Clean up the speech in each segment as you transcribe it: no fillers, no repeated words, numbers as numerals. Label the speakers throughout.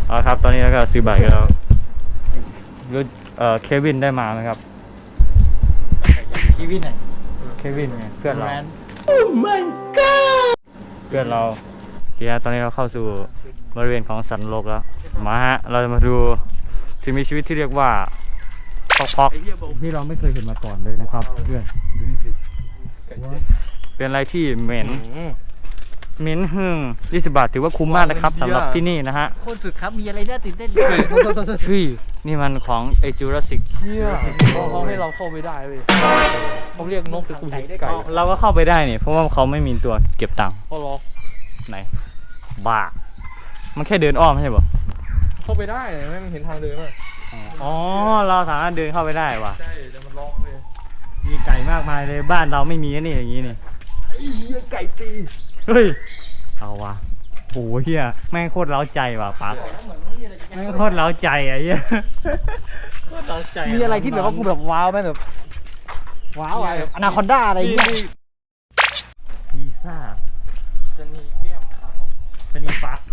Speaker 1: เอาครับตอนนี้แล้วก็ซื้อบัตรกันแล้วรู้เควินได้มาไหมครับเควินไหนเควินไงเพื่อนเราโอ้ my god เพื่อนเราเดี๋ยวตอนนี้เราเข้าสู่บริเวณของสันโลกแล้วมาฮะเราจะมาดูสิ่งมีชีวิตที่เรียกว่าพอกที่เราไม่เคยเห็นมาก่อนเลยนะครับเพื่อนดูนี่สิเป็นอะไรที่เหม็นหึ่ง20 บาทถือว่าคุ้มมากนะครับสำหรับที่นี่นะฮะ
Speaker 2: โคตรสุดครับมีอะไรน่าตื่นเต้น
Speaker 1: เฮ้ยนี่มันของไอจูราสสิก
Speaker 2: เขาให้เราเข้าไปได้เว้ยเขาเรียกนกไก่ได้ไก่
Speaker 1: เราก็เข้าไปได้นี่เพราะว่าเขาไม่มีตัวเก็บตังค์
Speaker 2: เขาล็อก
Speaker 1: ไหนบ้ามันแค่เดินอ้อมใช่ป่ะ
Speaker 2: เข้าไปได้ไม่เห็นทางเดินมั้ย
Speaker 1: อ๋อเราสามารถเดินเข้าไปได้ว่ะ
Speaker 2: ใช่แต่มันล็อกเลย
Speaker 1: มีไก่มากมายเลยบ้านเราไม่มีนี่อย่างนี้นี่
Speaker 2: ไก่ตี
Speaker 1: เฮ้ยเอาว่ะโหเฮียแม่งโคตรเล้าใจว่ะปั๊กแม่งโคตรเล้าใจอ่ะเฮียโคตรเล้าใจ
Speaker 2: มีอะไรที่แบบว่ากูแบบว้าวไหมแบบว้าวอะไรแบบอนาคอนด้าอะไรอย่างเงี้ย
Speaker 1: ซีซ่า
Speaker 2: ชนีแก้มขาว
Speaker 1: ชนีฟัก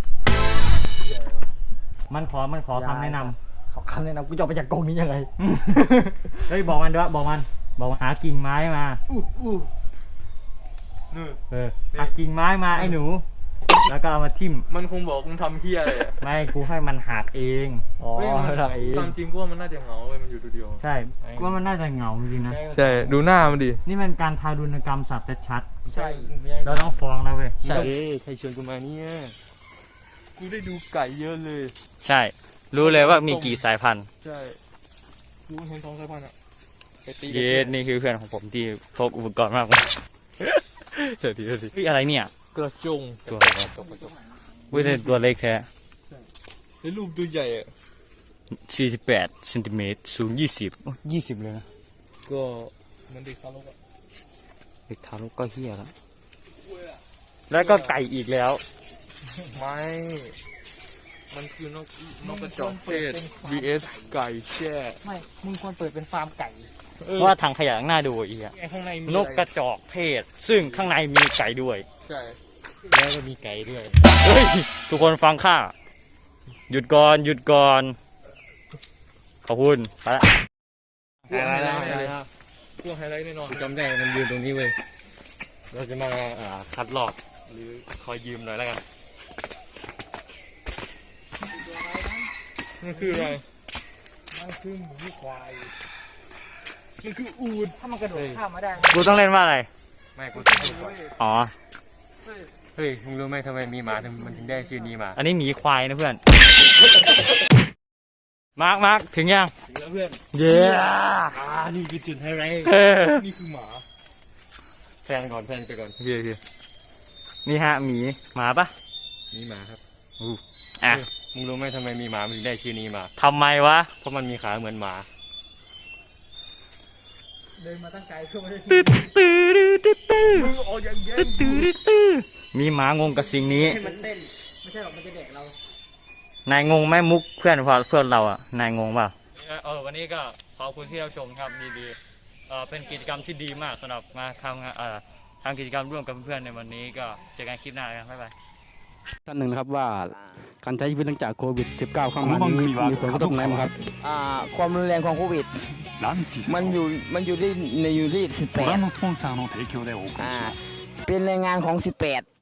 Speaker 1: มันขอคำแนะนำ
Speaker 2: ขอคำแนะนำกูจะออกไปจากกรงนี้ยังไง
Speaker 1: เฮ้ยบอกมันด้วยบอกมันหากิ่งไม้มาหากิ่งไม้มาไอ้หนูแล้วก็เอามาทิ่ม
Speaker 2: มันคงบอกมึงทำเฮียอะไร
Speaker 1: ไม่กูให้มันหักเอง
Speaker 2: อ๋อหักเองตามจริงกูว่ามันน่าจะเหงาเลยมันอยู่ตัวเดียว
Speaker 1: ใช่กูว่ามันน่าจะเหงาจริงนะ
Speaker 2: ใช่ดูหน้ามันดิ
Speaker 1: นี่มันการทารุณกรรมสัตว์ชัด
Speaker 2: ใช่
Speaker 1: เราต้องฟ้องนะเว้ย
Speaker 2: ใช่ใครชวนกูมาเนี่ยกูได้ดูไก่เยอะเลย
Speaker 1: ใช่รู้เลยว่ามีกี่สายพันธุ์
Speaker 2: ใช่กูเห็น2 สายพันธุ์อ่ะ
Speaker 1: เย็ดนี่คือเพื่อนของผมที่พกอุปกรณ์มากเลยเดี๋ยวดิอะไรเนี่ย
Speaker 2: กระจง
Speaker 1: ตัวอะไรวิ่งตัวเล็กแท้
Speaker 2: ในรูปตัวใหญ่อ่ะ
Speaker 1: 48 เซนติเมตรสูง20เลยนะ
Speaker 2: ก็มันเด็กทารกอ่ะ
Speaker 1: เด็กทารกก็เฮี้ยแล้วก็ไก่อีกแล้ว
Speaker 2: ไม่มันคือนกกระจอกเทศ vs ไก่แช่ไม่มึงควรเปิดเป็นฟาร์มไก่
Speaker 1: เพราะว่าถังขยะข้างหน้าดูอีกอะนกกระจอกเทศซึ่งข้างในมีไก่ด้วย
Speaker 2: ใช่
Speaker 1: แล้วก็มีไก่ด้วยเฮ้ยทุกคนฟังข้าหยุดก่อนขอบคุณไปละ
Speaker 2: ไฮไลท์พวกไฮไลท์แน่นอน
Speaker 1: จำได้มันยืนตรงนี้เว้ยเราจะมาคัดลอกหรือคอยยืมหน่อยแล้วกัน
Speaker 2: มันคืออะไรมันคือหมูควายมันคืออูฐถ้ามันกระโดดข้ามมาได้
Speaker 1: กูต้องเล่นว่าอะไร
Speaker 2: ไม่กูต้องพูด
Speaker 1: อ๋อ
Speaker 2: เฮ้ยมึงรู้ไหมทำไมมีหมามันถึงได้ชื่อนี้มา
Speaker 1: อันนี้หมีควายนะเพื่อนมาร์คถึงยัง
Speaker 2: ถึงแล้วเพื่อน
Speaker 1: เย้
Speaker 2: นี่คือจุดไฮไลท์นี่คือหมาแพนไปก่อน
Speaker 1: โอเคนี่ฮะหมีหมาปะ
Speaker 2: นี่หมาครับ
Speaker 1: อ่ะ
Speaker 2: มึงรู้ไหมทำไมมีหมามันถึงได้ชื่อนี้มา
Speaker 1: ทำไมวะ
Speaker 2: เพราะมันมีขาเหมือนหมาเดินมาตั้งไกลเพื่อไม่ได้มึงออกอย่างเงี้ย
Speaker 1: มีหมางงกับสิ่งนี้
Speaker 2: ให้มันเต้นไม่ใช่หรอกมันจะแดกเรา
Speaker 1: นายงงไหมมุกเพื่อนเราอ่ะนายงงเปล่าวันนี้ก็ขอบคุณที่รับชมครับดีเป็นกิจกรรมที่ดีมากสำหรับมาทำกิจกรรมร่วมกับเพื่อนในวันนี้ก็เจอกันคลิปหน้ากันบ๊ายบาย
Speaker 3: ท่านหนึ่งนะครับว่าการใช้ชีวิตหลังจากโควิด -19 เข้ามานี้มีผลกระทบไหนบ้างครับ
Speaker 4: ความรุนแรงของโควิดมันอยู่ที่18เป็นแรงงานของ18